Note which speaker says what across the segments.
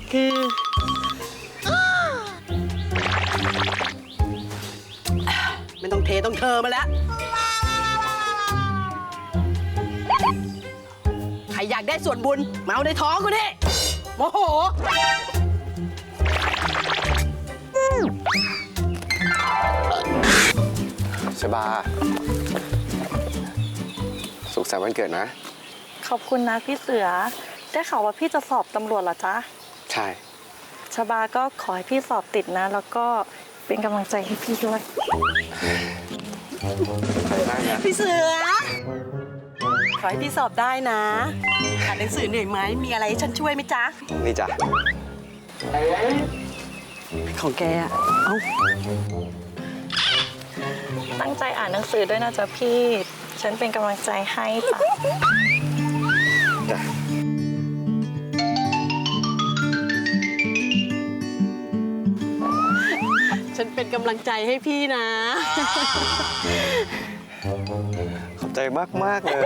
Speaker 1: คือไม่ต้องเทต้องเธอมาแล้วใครอยากได้ส่วนบุญมาเอาในท้องกูดิโมโห
Speaker 2: ชบาสุขสันต์วันเกิดนะ
Speaker 3: ขอบคุณนะพี่เสือได้ข่าวว่าพี่จะสอบตำรวจเหรอจ๊ะ
Speaker 2: ใช่
Speaker 3: ชบาก็ขอให้พี่สอบติดนะแล้วก็เป็นกำลังใจให้พี่ด้วย
Speaker 1: พี่เสือขอให้พี่สอบได้นะอ่านหนังสือเหนื่อยไหมมีอะไรให้ฉันช่วยไหมจ๊ะ
Speaker 2: นี่จ้ะ
Speaker 1: ของแกอ่ะเอ้า
Speaker 3: ตั้งใจอ่านหนังสือด้วยนะจ๊ะพี่ฉันเป็นกำลังใจให้จ้ะ
Speaker 1: ฉันเป็นกำลังใจให้พี่นะ
Speaker 2: ขอบใจมากเลย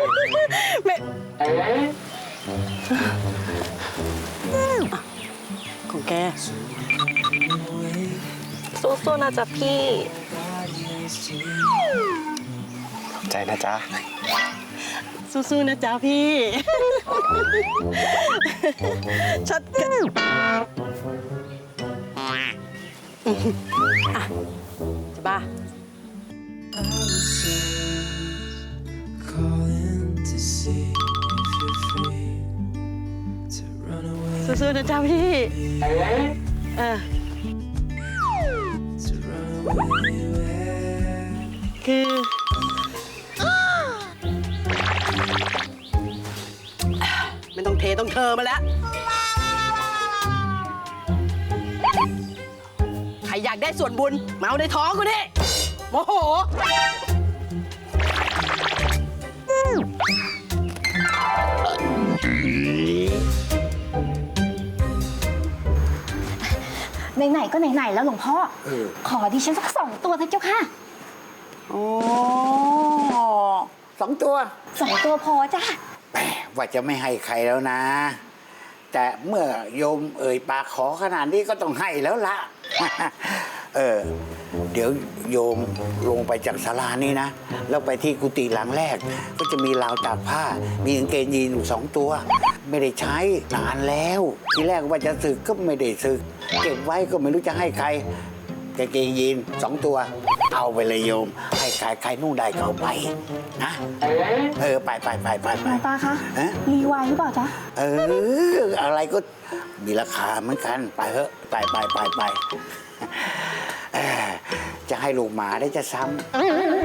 Speaker 1: ของแก
Speaker 3: สู้ๆนะจ๊ะพี่
Speaker 2: ขอบใจนะจ๊ะ
Speaker 1: สู้ๆนะจ๊ะพี่ชัดกันจะบ้าสู้ๆนะจ๊ะพี่คือไม่ต้องเทต้องเธอมาแล้วใครอยากได้ส่วนบุญมาเอาในท้องกูดิโมโห
Speaker 4: ไหนๆก็ไหนๆแล้วหลวงพ่อขอดิฉันสัก2 ตัวเถอะเจ้าค่ะ
Speaker 5: โอ้2 ตัว
Speaker 4: 2 ตัวพอจ้ะ
Speaker 5: แหมว่าจะไม่ให้ใครแล้วนะ แต่เมื่อโยมเอ่ยปากขอขนาดนี้ก็ต้องให้แล้วละ เดี๋ยวโยมลงไปจากศาลานี่นะแล้วไปที่กุฏิหลังแรกก็จะมีราวตากผ้ามีกางเกงยีนอยู่2 ตัวไม่ได้ใช้นานแล้วทีแรกว่าจะสึกก็ไม่ได้สึกเก็บไว้ก็ไม่รู้จะให้ใครกางเกงยีน2 ตัวเอาไปเลยโยมให้ใครนุ่งได้ก็เอาไปนะไปหลวง
Speaker 4: ตาคะรีไวหรือเปล่าจ๊ะ
Speaker 5: อะไรก็มีราคาเหมือนกันไปเถอะไปจะให้ลูกหมาได้จะซ้ำ